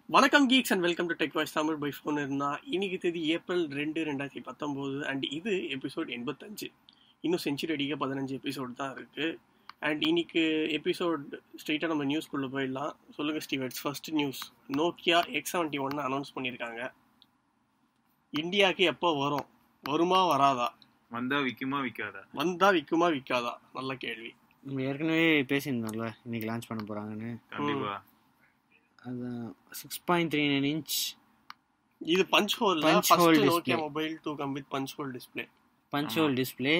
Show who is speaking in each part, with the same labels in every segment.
Speaker 1: வணக்கம் geeks and welcome to tech voice Tamil பை ஃபோன் இருந்தா. இன்னைக்கு தேதி ஏப்ரல் 2, 2019 அண்ட் இது எபிசோட் 85. இன்னும் செஞ்சுரி அடிக்க 15 எபிசோட் தான் இருக்கு. அண்ட் இன்னைக்கு எபிசோட் ஸ்ட்ரெயிட்டாக நம்ம நியூஸ்குள்ளே போயிடலாம். சொல்லுங்கள் ஸ்டீவர்ட்ஸ், first news, Nokia X71 announce பண்ணியிருக்காங்க. இந்தியாவுக்கு எப்போ வரும், வருமா வராதா,
Speaker 2: வந்தா விற்குமா விற்காதா,
Speaker 1: வந்தா விற்குமா விற்காதா? நல்ல கேள்வி.
Speaker 3: நம்ம ஏற்கனவே பேசியிருந்தோம்ல இன்னைக்கு லான்ச் பண்ண போகிறாங்கன்னு.
Speaker 2: கண்டிப்பா
Speaker 3: அதுதான் 6.39 inch.
Speaker 1: இது punch hole Nokia mobile 2 come with punch hole display.
Speaker 3: Punch hole display.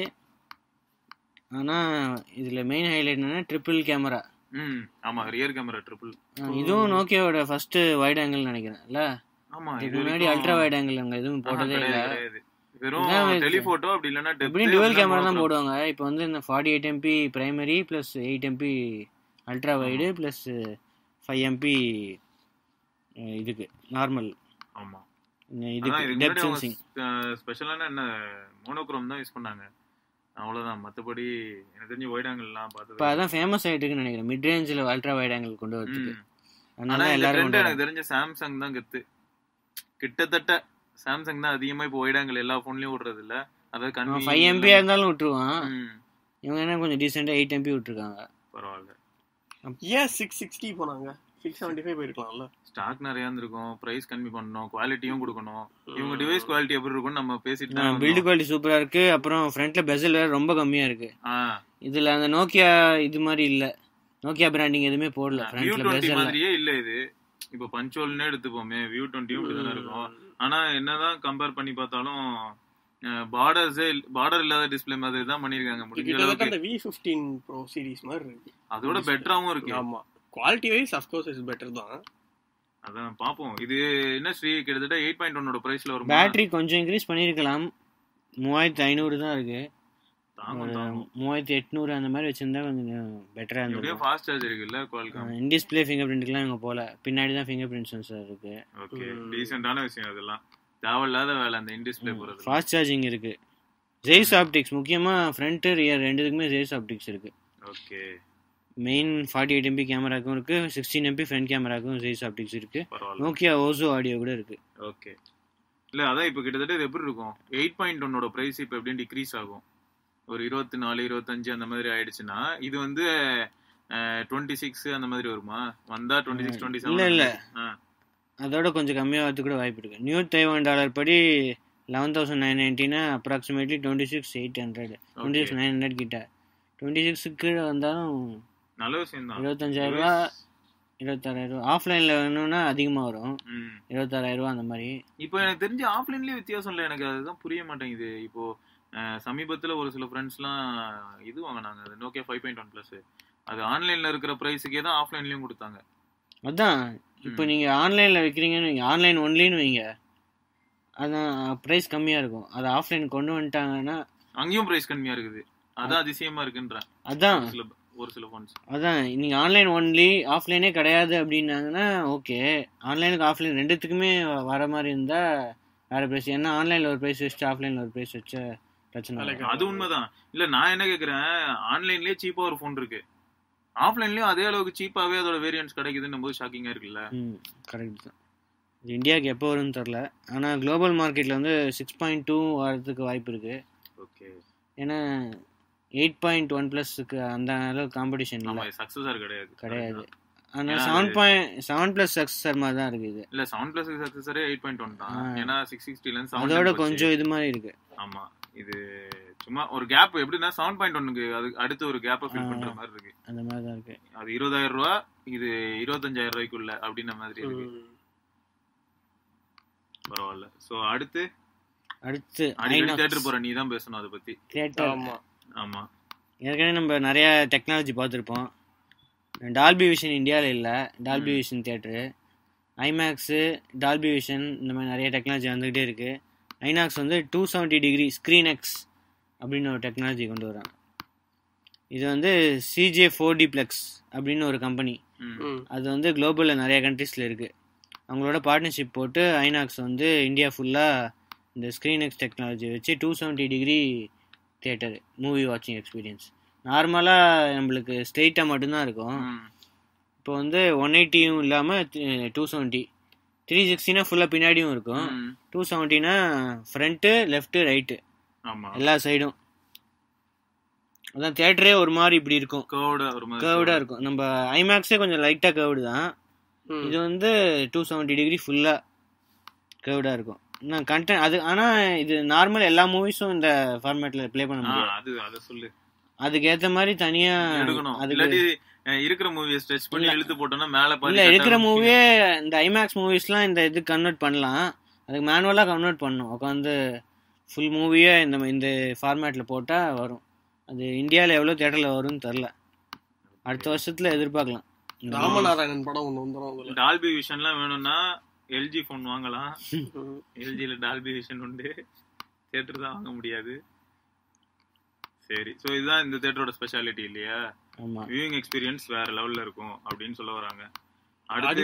Speaker 3: ஆனால் இதில் மெயின் ஹைலைட் என்னன்னா ட்ரிபிள் கேமரா.
Speaker 2: ஆமா, ரியர் கேமரா ட்ரிபிள்.
Speaker 3: இதுவும் நோக்கியாவோட ஃபர்ஸ்ட் வைட் ஆங்கிள் நினைக்கிறேன் இல்ல?
Speaker 2: ஆமா,
Speaker 3: இதுக்கு முன்னாடி அல்ட்ரா வைட் ஆங்கிள் அங்கே எதுவும் போட்டதே இல்லை.
Speaker 2: வெறும் டெலிஃபோட்டோ அப்படி இல்லைன்னா
Speaker 3: எப்படியும் டுவல் கேமரா தான் போடுவாங்க. இப்போ வந்து இந்த 48 MP primary plus 8 MP ultra wide plus 5 MP இதுக்கு நார்மல்.
Speaker 2: ஆமா,
Speaker 3: இதுக்கு டெப்த் சென்சிங்.
Speaker 2: ஸ்பெஷலான என்ன மோனோக்ரோம் தான் யூஸ் பண்ணாங்க, அவ்வளவுதான். மற்றபடி எனக்கு தெரிஞ்சு வைட் ஆங்கிள்லாம் பார்த்தது
Speaker 3: இப்போ அதான் ஃபேமஸ் ஆயிட்டுன்னு நினைக்கிறேன், மிட் ரேஞ்சில் அல்ட்ரா வைட் ஆங்கிள் கொண்டு வரதுக்கு.
Speaker 2: அதனால எல்லாரும் எனக்கு தெரிஞ்ச சாம்சங் தான் கெத்து. கிட்டத்தட்ட சாம்சங் தான் அதிகமா இப்போ வைட் ஆங்கிள் எல்லா போன்லயும் விடுறது இல்ல. அதாவது
Speaker 3: 5 MP இருந்தாலும் விட்டுருவான். இவங்க என்ன கொஞ்சம் டீசெண்டா 8 MP விட்டுருக்காங்க.
Speaker 2: பரவாயில்ல.
Speaker 1: ஏன் 660 போனாங்க? 675 போயிருக்கலாம்ல.
Speaker 2: ஸ்டாக் நிறைய இருந்திருக்கும், பிரைஸ் கம்மி பண்ணணும், குவாலிட்டியும் கொடுக்கணும். இவங்க டிவைஸ் குவாலிட்டி எப்படி இருக்கும்னு நம்ம பேசிட்டு,
Speaker 3: பில்ட் குவாலிட்டி சூப்பரா இருக்கு. அப்புறம் ஃப்ரண்ட்ல பெசல் வேற ரொம்ப கம்மியா இருக்கு. இதுல அந்த நோக்கியா இது மாதிரி இல்ல, நோக்கியா பிராண்டிங் எதுவுமே போடல. ஃப்ரண்ட்ல பெசல்
Speaker 2: மாதிரியே இல்ல. இது இப்போ பஞ்சோல்னே எடுத்துப்போமே, வியூ 20 இப்படிதானே இருக்கும். ஆனா என்னதான் கம்பேர் பண்ணி பார்த்தாலும் பார்டர் இல்லாத டிஸ்ப்ளே மாதிரி தான் பண்ணிருக்காங்க. முடிஞ்ச அளவுக்கு
Speaker 1: அந்த V15 Pro சீரிஸ் மாதிரி இருக்கு,
Speaker 2: அதோட பெட்டராவும் இருக்கு.
Speaker 1: ஆமா, quality wise of course is better தான்.
Speaker 2: அதான் பாப்போம். இது என்ன ஸ்ரீ, கிட்டத்தட்ட 8.1 ஓட பிரைஸ்ல வரும்.
Speaker 3: பேட்டரி கொஞ்சம் இன்க்ரீஸ் பண்ணிருக்கலாம், 3500 தான் இருக்கு. 3800 அந்த மாதிரி வச்சிருந்தா கொஞ்சம் பெட்டரா இருந்திருக்கும்.
Speaker 2: ஃபாஸ்ட் சார்ஜர் இருக்குல்ல, குவால்காம்.
Speaker 3: இன் டிஸ்ப்ளே ஃபிங்கர் பிரிண்ட்லாம் இங்க போல, பின்னாடி தான் ஃபிங்கர் பிரிண்ட் சென்சார் இருக்கு.
Speaker 2: ஓகே, டீசன்ட்டான விஷயம். அதெல்லாம் தேவையில்லாத வேலை அந்த இன் டிஸ்ப்ளே போறது.
Speaker 3: ஃபாஸ்ட் சார்ஜிங் இருக்கு, ஜெய்ஸ் ஆப்டிக்ஸ், முக்கியமா ஃப்ரண்ட் ரியர் ரெண்டுக்குமே ஜெய்ஸ் ஆப்டிக்ஸ் இருக்கு.
Speaker 2: ஓகே,
Speaker 3: மெயின் 48 MP கேமராக்கும் இருக்கு, 16 MP ஃப்ரண்ட் கேமராக்கும் ஜெய்ஸ் ஆப்டிக்ஸ் இருக்கு. நோக்கியா ஓசோ ஆடியோ கூட இருக்கு.
Speaker 2: ஓகே, இல்ல அதான் இப்போ கிட்டத்தட்ட இது எப்படி இருக்கும், 8.1 ஓட பிரைஸ் இப்போ எப்படியும் டிக்ரீஸ் ஆகும். ஒரு 24, 25 அந்த மாதிரி ஆயிடுச்சுன்னா இது வந்து 26 அந்த மாதிரி வருமா? வந்தா 26, 27.
Speaker 3: இல்ல அதோட கொஞ்சம் கம்மியாகிறது கூட வாய்ப்பு இருக்கு. நியூ $31 படி 11,990 அப்ராக்சிமேட்லி 26,800, 26,900 கிட்ட. 26 கீழே வந்தாலும்
Speaker 2: நல்ல விஷயம் தான்.
Speaker 3: 25,000 26,000. ஆஃப்லைன்ல வேணும்னா அதிகமா வரும், 26,000 அந்த மாதிரி.
Speaker 2: இப்போ எனக்கு தெரிஞ்சு ஆஃப்லைன்லயே வித்தியாசம் இல்லை, எனக்கு அதுதான் புரிய மாட்டேங்குது. இப்போ சமீபத்துல ஒரு சில ஃப்ரெண்ட்ஸ்லாம் இது வாங்கினாங்க, அது நோக்கியா 5.1 Plus. அது ஆன்லைன்ல இருக்கிற பிரைஸுக்கே தான் ஆஃப்லைன்லயும் கொடுத்தாங்க.
Speaker 3: அதான் இப்போ நீங்க ஆன்லைன்ல வைக்கிறீங்கன்னு வைங்க, ஆன்லைன் ஒன்லின்னு வைங்க, அதான் பிரைஸ் கம்மியா இருக்கும். அது ஆஃப்லைன் கொண்டு வந்துட்டாங்கன்னா
Speaker 2: அங்கேயும் பிரைஸ் கம்மியா இருக்குது. அதான் அதிசயமா இருக்குன்ற.
Speaker 3: அதான்
Speaker 2: ஒரு சில ஃபோன்ஸ்
Speaker 3: அதான் நீங்க ஆன்லைன் ஒன்லி ஆஃப்லைனே கிடையாது அப்படின்னாங்கன்னா ஓகே. ஆன்லைனுக்கு ஆஃப்லைன் ரெண்டுத்துக்குமே வர மாதிரி இருந்தா வேற பிரைஸ். ஏன்னா ஆன்லைன்ல ஒரு பிரைஸ் வச்சு ஆஃப்லைன்ல ஒரு பிரைஸ் வச்ச பிரச்சனை.
Speaker 2: அது உண்மைதான். இல்ல நான் என்ன கேக்குறேன், ஆன்லைன்லயே சீப்பா ஒரு ஃபோன் இருக்கு, ஆஃப்லைன்லயும் அதே அளவுக்கு சீப்பாவே அதோட வேரியன்ட்ஸ் கிடைக்குதுன்னு போது ஷாக்கிங்கா இருக்குல்ல.
Speaker 3: கரெக்ட் தான். இது இந்தியாவுக்கு எப்போ வரும்னு தெரியல, ஆனா குளோபல் மார்க்கெட்ல வந்து 6.2 வரதுக்கு வாய்ப்பு இருக்கு.
Speaker 2: ஓகே,
Speaker 3: ஏன்னா 8.1 Plusக்கு அந்த அளவுக்கு காம்படிஷன் இல்லை,
Speaker 2: சக்சஸர் கிடையாது.
Speaker 3: ஆனா 7 Plus சக்சஸர் மாதிரி தான் இருக்கு. இது
Speaker 2: இல்ல 7 Plus சக்சஸரே 8.1 தான். ஏன்னா 660 ல இருந்து
Speaker 3: அதோட கொஞ்சம் இது மாதிரி இருக்கு.
Speaker 2: ஆமா, இது சும்மா ஒரு கேப். எப்படின்னா 7.1க்கு அது அடுத்து ஒரு கேப்பை ஃபில் பண்ற மாதிரி இருக்கு.
Speaker 3: அந்த மாதிரி தான் இருக்கு.
Speaker 2: அது 20,000 ரூபா, இது 25,000 ரூபாய்க்குள்ள அப்படின்ற மாதிரி இருக்கு. பரவாயில்ல. சோ அடுத்து தியேட்டர் போற நீ தான் பேசணும் அதை பத்தி.
Speaker 3: தியேட்டர்.
Speaker 2: ஆமா,
Speaker 3: ஏற்கனவே நம்ம நிறைய டெக்னாலஜி பார்த்துருப்போம். டால்பி விஷன் இந்தியாவில் இல்லை, Dolby vision theatre, IMAX, Dolby vision, இந்த மாதிரி நிறைய டெக்னாலஜி வந்துக்கிட்டே இருக்குது. ஐநாக்ஸ் வந்து 270 டிகிரி ஸ்க்ரீன் எக்ஸ் அப்படின்னு ஒரு டெக்னாலஜி கொண்டு வராங்க. இது வந்து CJ4D Plex அப்படின்னு ஒரு கம்பெனி, அது வந்து குளோபலில் நிறைய கண்ட்ரீஸில் இருக்குது. அவங்களோட பார்ட்னர்ஷிப் போட்டு ஐநாக்ஸ் வந்து இந்தியா ஃபுல்லாக இந்த ஸ்க்ரீன் எக்ஸ் டெக்னாலஜி வச்சு 270 டிகிரி தியேட்டர் மூவி வாட்சிங் எக்ஸ்பீரியன்ஸ். நார்மலாக நம்மளுக்கு ஸ்ட்ரெயிட்டாக மட்டும்தான் இருக்கும். இப்போ வந்து 180யும் இல்லாமல் 270 360னா ஃபுல்லாக பின்னாடியும் இருக்கும். 270னா ஃப்ரண்ட்டு லெஃப்ட்டு ரைட்டு
Speaker 2: ஆமா
Speaker 3: எல்லா சைடும். அதான் தியேட்டரே ஒரு மாதிரி இப்படி இருக்கும், கர்வ்டா இருக்கும். நம்ம ஐமேக்ஸே கொஞ்சம் லைட்டாக கர்வ்டு தான், இது வந்து 270 டிகிரி ஃபுல்லாக கர்வ்டா இருக்கும். கண்டென்ட் அது. ஆனால் இது நார்மல் எல்லா மூவிஸும் இந்த ஃபார்மேட்டில் ப்ளே பண்ண முடியும்.
Speaker 2: அது சொல்லு,
Speaker 3: அதுக்கு ஏற்ற மாதிரி தனியாக
Speaker 2: எடுக்கணும். அதுக்கு இருக்கிற மூவியை ஸ்ட்ரெச் பண்ணி இழுத்து போட்டோம்னா மேலே
Speaker 3: இல்லை இருக்கிற மூவியே இந்த ஐமேக்ஸ் மூவிஸ்லாம் இந்த இது கன்வெர்ட் பண்ணலாம். அதுக்கு மேனுவலாக கன்வெர்ட் பண்ணணும். உட்காந்து ஃபுல் மூவியே இந்த ஃபார்மேட்டில் போட்டால் வரும். அது இந்தியாவில் எவ்வளோ தியேட்டரில் வரும்னு தெரில, அடுத்த வருஷத்தில் எதிர்பார்க்கலாம்.
Speaker 1: ராமநாராயணன் படம் ஒன்று வந்துடும்.
Speaker 2: டால்பி விஷன்லாம் வேணும்னா எல்ஜி ஃபோன் வாங்கலாம். எல்ஜியில் டால்பி விஷன் உண்டு, தியேட்டர் தான் வாங்க முடியாது. சரி, ஸோ இதுதான் இந்த தியேட்டரோட ஸ்பெஷாலிட்டி இல்லையா? வியூயிங் எக்ஸ்பீரியன்ஸ் வேற லெவல்ல இருக்கும் அப்படின்னு சொல்ல வராங்க. அடுத்து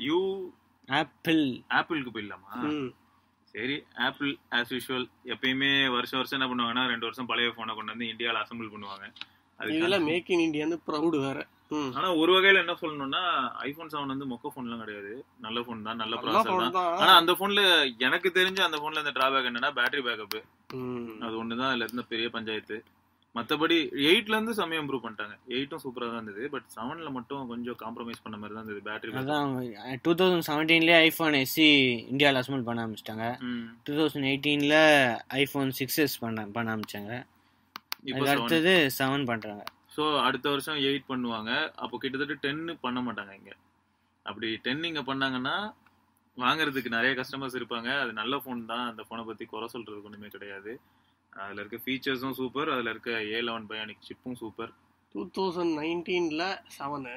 Speaker 2: ஆப்பிளுக்கு போயிடலாமா? சரி, ஆப்பிள் ஆஸ் யூஷுவல் எப்பயுமே வருஷம் வருஷம் என்ன பண்ணுவாங்கன்னா 2 வருஷம் பழைய போனை கொண்டு வந்து இந்தியாவில் அசம்பிள் பண்ணுவாங்க.
Speaker 1: அதெல்லாம் மேக் இன் இந்தியான்னு ப்ரௌட் வேற.
Speaker 2: ஆனா ஒரு வகையில என்ன சொல்லணும்னா ஐபோன் 7 வந்து மொக்க போன் எல்லாம் கிடையாது, நல்ல போன் தான், நல்ல ப்ராசஸர் தான். ஆனா அந்த போன்ல எனக்கு தெரிஞ்ச அந்த போன்ல இந்த டிராபேக் என்னன்னா பேட்டரி பேக்கப், அது ஒண்ணுதான் அதுல இருந்த பெரிய பஞ்சாயத்து. மற்றபடி 8ல இருந்து சமயம் இம்ப்ரூவ் பண்ணிட்டாங்க. 8ம் சூப்பரா தான் இருந்தது, பட் 7ல மட்டும் கொஞ்சம் காம்ப்ரமைஸ் பண்ண மாதிரி தான் இருந்தது பேட்டரி.
Speaker 3: அதான் 2017ல ஐபோன் SE இந்தியாவில் அசம்பிள் பண்ண ஆரம்பிச்சிட்டாங்க. 2018ல ஐபோன் 6s பண்ண ஆரம்பிச்சாங்க. இப்போ அடுத்தது 7 பண்றாங்க.
Speaker 2: ஸோ அடுத்த வருஷம் 8 பண்ணுவாங்க. அப்போ கிட்டத்தட்ட 10 பண்ண மாட்டாங்க இங்க. அப்படி 10 இங்க பண்ணாங்கன்னா வாங்குறதுக்கு நிறைய கஸ்டமர்ஸ் இருப்பாங்க. அது நல்ல ஃபோன் தான், அந்த ஃபோனை பத்தி குறை சொல்றதுக்கு ஒண்ணுமே கிடையாது. அதுல இருக்க ஃபீச்சர்ஸும் சூப்பர், அதுல இருக்க A11 பயானிக் சிப்பும் சூப்பர்.
Speaker 1: 2019ல 7,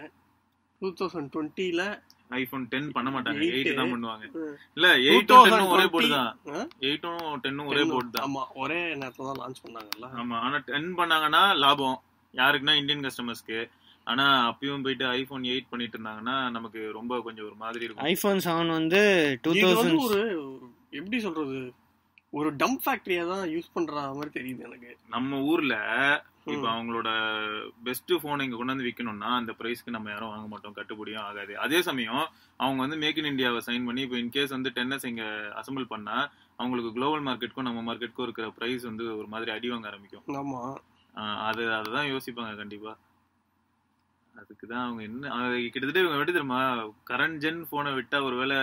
Speaker 1: 2020ல
Speaker 2: ஐபோன் 10 பண்ண மாட்டாங்க, 8 தான் பண்ணுவாங்க. இல்ல 8ம் 10ம் ஒரே போர்டு தான், 8ம் 10ம் ஒரே போர்டு தான்.
Speaker 1: ஆமா, ஒரே நேரத்துல தான் லான்ச் பண்ணாங்கல்ல.
Speaker 2: ஆமா, ஆனா 10 பண்ணாங்கன்னா லாபம் யாருக்குன்னா இந்தியன் கஸ்டமர்ஸ்க்கு. ஆனா அப்பயும் போயிட்டு ஐபோன் 8 பண்ணிட்டு இருந்தாங்கன்னா நமக்கு ரொம்ப கொஞ்சம் ஒரு மாதிரி இருக்கும்.
Speaker 3: ஐபோன் 7 வந்து 2000
Speaker 1: ஒரு எப்படி சொல்றது, ஒரு டம்ப் ஃபேக்டரியா தான் யூஸ் பண்ற மாதிரி தெரியுது எனக்கு.
Speaker 2: நம்ம ஊர்ல இப்ப அவங்களோட பெஸ்ட் போன் இங்க கொண்டு வந்து விற்கணும்னா அந்த பிரைஸ்க்கு நம்ம யாரும் வாங்க மாட்டோம், கட்டுப்படியும் ஆகாது. அதே சமயம் அவங்க வந்து மேக் இன் இந்தியாவை சைன் பண்ணி இப்போ இன்கேஸ் வந்து 10s இங்க அசம்பிள் பண்ணா அவங்களுக்கு குளோபல் மார்க்கெட்டுக்கும் நம்ம மார்க்கெட்டுக்கும் இருக்கிற பிரைஸ் வந்து ஒரு மாதிரி அடி வாங்க ஆரம்பிக்கும்.
Speaker 1: ஆமா,
Speaker 2: அதுதான் யோசிப்பாங்க கண்டிப்பா. அதுக்குதான் அவங்க என்ன கிட்டத்தட்ட இவங்க விட்டு தெரியுமா, கரண்ட் ஜென் போனை விட்டா ஒருவேளை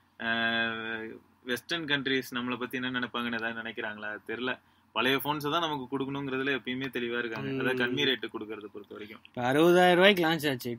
Speaker 2: வெஸ்டர்ன் கண்ட்ரிஸ் நம்மளை பத்தி என்ன நினைப்பாங்கன்னு ஏதாவது நினைக்கிறாங்களா தெரியல. பழைய போன்ஸ் தான் நமக்கு கொடுக்கணுங்கிறதுல எப்பயுமே தெளிவா இருக்காங்க. அதாவது கம்மி ரேட்டு கொடுக்கறத பொறுத்த வரைக்கும்.
Speaker 3: இப்போ 60,000 ரூபாய்க்கு லான்ச் ஆச்சு,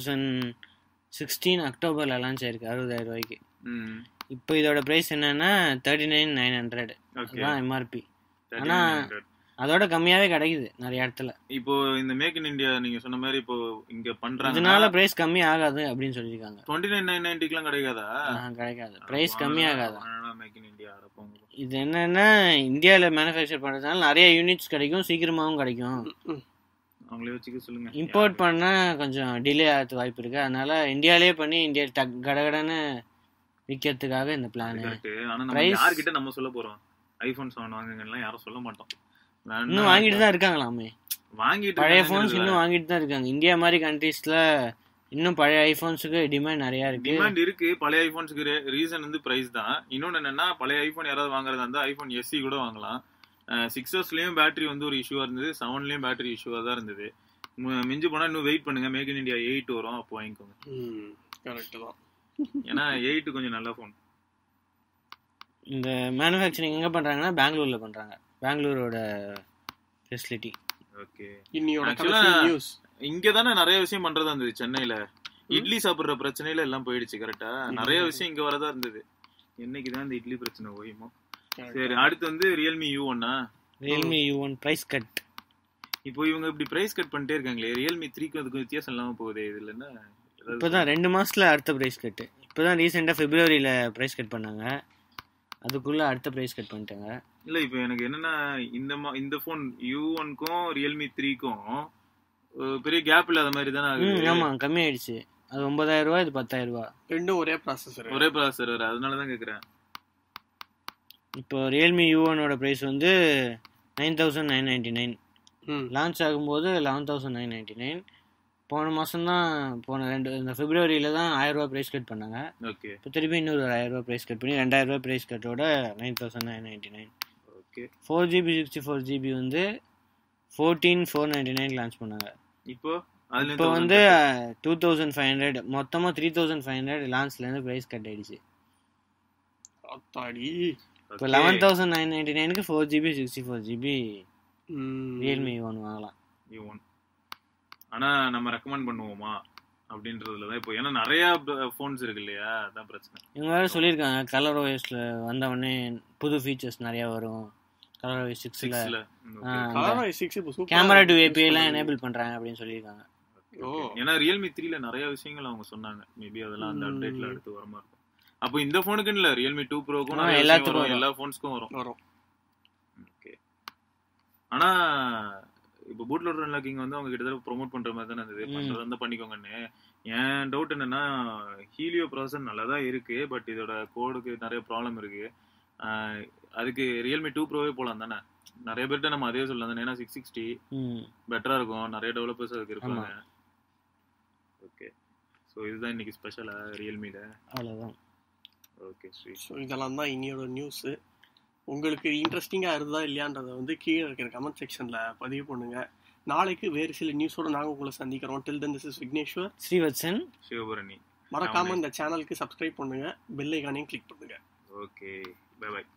Speaker 3: 2016 அக்டோபர்ல லான்ச் ஆயிருக்கு 60,000 ரூபாய்க்கு. இப்போ இதோட பிரைஸ் என்னன்னா 39,900 தான் எம்ஆர்பி. ஆனா அதோட கம்மியாவே கிடைக்குது நிறைய இடத்துல.
Speaker 2: இப்போ இந்த மேக் இன் இந்தியா நீங்க சொன்ன மாதிரி இப்போ இங்க பண்றாங்க,
Speaker 3: இதனால பிரைஸ் கம்மி ஆகாது அப்படின்னு சொல்லிருக்காங்க.
Speaker 2: 29,990க்குலாம் கிடைக்காதா?
Speaker 3: கிடைக்காது, பிரைஸ் கம்மி ஆகாது.
Speaker 2: மேக் இன் இந்தியா
Speaker 3: இது என்னன்னா இந்தியாவில் மேனுஃபேக்சர் பண்றதுனால நிறைய யூனிட்ஸ் கிடைக்கும், சீக்கிரமாவும் கிடைக்கும்.
Speaker 2: அவங்களே வச்சுக்க சொல்லுங்க.
Speaker 3: இம்போர்ட் பண்ணா கொஞ்சம் டிலே ஆகிறது வாய்ப்பு இருக்கு, அதனால இந்தியாவிலே பண்ணி இந்தியா கடகடன்னு விற்கிறதுக்காக இந்த பிளான்.
Speaker 2: ஆனா நம்ம யார்கிட்ட நம்ம சொல்ல போறோம் ஐபோன் 7 வாங்குங்கலாம் யாரும் சொல்ல மாட்டோம்.
Speaker 3: இன்னும் வாங்கிட்டு தான் இருக்காங்களாமே,
Speaker 2: வாங்கிட்டு
Speaker 3: பழைய போன்ஸ் இன்னும் வாங்கிட்டு தான் இருக்காங்க. இந்தியா மாதிரி கண்ட்ரீஸ்ல இன்னும் பழைய ஐபோன்ஸுக்கு டிமாண்ட் நிறைய இருக்கு.
Speaker 2: டிமாண்ட் இருக்கு பழைய ஐபோன்ஸுக்கு. ரீசன் வந்து பிரைஸ் தான். இன்னொன்னு என்னன்னா பழைய ஐபோன் யாராவது வாங்குறதா இருந்தா ஐபோன் SE கூட வாங்கலாம். 6sலயும் பேட்டரி வந்து ஒரு இஷ்யூவா இருந்தது, 7லயும் பேட்டரி இஷ்யூவா தான் இருந்தது. மிஞ்சி போனா இன்னும் வெயிட் பண்ணுங்க, மேக் இன் இந்தியா 8 வரும், அப்போ வாங்கிக்கோங்க.
Speaker 1: கரெக்ட் தான்.
Speaker 2: ஏன்னா 8 கொஞ்சம் நல்ல போன்.
Speaker 3: இந்த மேனுஃபேக்சரிங் எங்க பண்றாங்கன்னா பெங்களூர்ல பண்றாங்க, பெங்களூரோட ஃபெசிலிட்டி.
Speaker 2: ஓகே,
Speaker 1: இன்னியோட நியூஸ்
Speaker 2: இங்க தானே நிறைய விஷயம் பண்றதா இருந்தது. சென்னையில இட்லி சாப்பிடுற பிரச்சனையில எல்லாம் போயிடுச்சு. கரெக்டா, நிறைய விஷயம் இங்க வரதா இருந்தது. என்னைக்குதான் இந்த இட்லி பிரச்சனை ஓயுமோ. சரி, அடுத்து வந்து ரியல்மி U1
Speaker 3: பிரைஸ் கட்.
Speaker 2: இப்போ இவங்க இப்படி பிரைஸ் கட் பண்ணிட்டே இருக்காங்களே, ரியல்மி 3க்கு அதுக்கு வித்தியாசம் இல்லாம போகுது. இதுல என்ன
Speaker 3: இப்பதான் 2 மாசத்துல அடுத்த பிரைஸ் கட். இப்பதான் ரீசெண்டா பிப்ரவரியில பிரைஸ் கட் பண்ணாங்க, அதுக்குள்ள அடுத்த பிரைஸ் கட் பண்ணிட்டாங்க.
Speaker 2: இல்ல இப்போ எனக்கு என்னன்னா இந்த போன் U1க்கும் ரியல்மி 3க்கும் பெரிய கேப் இல்லாத மாதிரி தானே ஆகுது.
Speaker 3: ஆமா, கம்மி ஆயிடுச்சு. அது 9,000 ரூபாய், இது 10,000 ரூபாய்.
Speaker 1: ரெண்டும் ஒரே ப்ராசஸர்.
Speaker 2: அதனாலதான் கேக்குறேன்.
Speaker 3: இப்போ ரியல்மி U1ஓட பிரைஸ் வந்து 9,999. லான்ச் ஆகும்போது 11,999. போன மாதம் தான் இந்த பிப்ரவரியில் தான் 1000 ரூபா ப்ரைஸ் கட் பண்ணாங்க.
Speaker 2: ஓகே.
Speaker 3: இப்போ திருப்பி இன்னொரு 1000 ரூபா ப்ரைஸ் கட் பண்ணி 2000 ரூபா ப்ரைஸ் கட்டோட 9999.
Speaker 2: ஓகே.
Speaker 3: 4GB 64GB வந்து 14,499 லான்ச் பண்ணாங்க.
Speaker 2: இப்போ
Speaker 3: வந்து 2500 மொத்தமாக 3500 லான்ச்லேருந்து ப்ரைஸ் கட் ஆயிடுச்சு. இப்போ 11,999க்கு 4GB 64GB ரியல்மி ஒன் வாங்கலாம்.
Speaker 2: ஆனா நம்ம ரெக்கமெண்ட் பண்ணுவோமா அப்படின்றதுல தான் இப்போ, ஏன்னா நிறைய ஃபோன்ஸ் இருக்கு இல்லையா, அதான் பிரச்சனை.
Speaker 3: இவங்க வேறு சொல்லியிருக்காங்க கலர் ஓஎஸ்ல வந்த உடனே புது ஃபீச்சர்ஸ் நிறையா வரும். கலர் ஓஎஸ் 6ல கேமரா டு ஏபிஐ எல்லாம் எனேபிள் பண்றாங்க அப்படின்னு சொல்லியிருக்காங்க.
Speaker 2: ஏன்னா ரியல்மி 3ல நிறைய விஷயங்கள் அவங்க சொன்னாங்க. மேபி அதெல்லாம் அந்த அப்டேட்ல அடுத்து வரமா இருக்கும். அப்போ இந்த ஃபோனுக்கு இல்ல, ரியல்மி 2 ப்ரோக்கும் எல்லாத்துக்கும் எல்லா ஃபோன்ஸ்க்கும் வரும். ஓகே. ஆனா இப்போ பூட் லோடர் அன்லாக்கிங் வந்து அவங்க கிட்டத்தட்ட ப்ரோமோட் பண்ற மாதிரி தானே இருந்தது. பண்றது வந்து பண்ணிக்கோங்கன்னு. என் டவுட் என்னன்னா, ஹீலியோ ப்ராசஸர் நல்லா தான் இருக்கு, பட் இதோட கோடுக்கு நிறைய ப்ராப்ளம் இருக்கு. அதுக்கு ரியல்மி 2 ப்ரோவே போலாம் தானே. நிறைய பேர்கிட்ட நம்ம அதே சொல்லலாம் தானே, ஏன்னா 660 பெட்டரா இருக்கும், நிறைய டெவலப்பர்ஸ் அதுக்கு இருப்பாங்க. ஓகே. ஸோ இதுதான் இன்னைக்கு ஸ்பெஷலா ரியல்மில.
Speaker 3: அவ்வளோதான்.
Speaker 2: ஓகே.
Speaker 1: ஸோ இதெல்லாம் தான் இன்னையோட நியூஸு. உங்களுக்கு இன்ட்ரெஸ்டிங்காக இருந்தா இல்லையான்றதை வந்து கீழே இருக்கிற கமெண்ட் செக்ஷனில் பதிவு பண்ணுங்க. நாளைக்கு வேறு சில நியூஸோட நாங்கள் உங்களை சந்திக்கிறோம். Till then this is Vigneshwar,
Speaker 3: Srivatsan,
Speaker 2: Sivabharani.
Speaker 1: மறக்காம இந்த சேனலுக்கு சப்ஸ்கிரைப் பண்ணுங்க, பெல் ஐகானையும் கிளிக் பண்ணுங்க.
Speaker 2: Okay, bye by.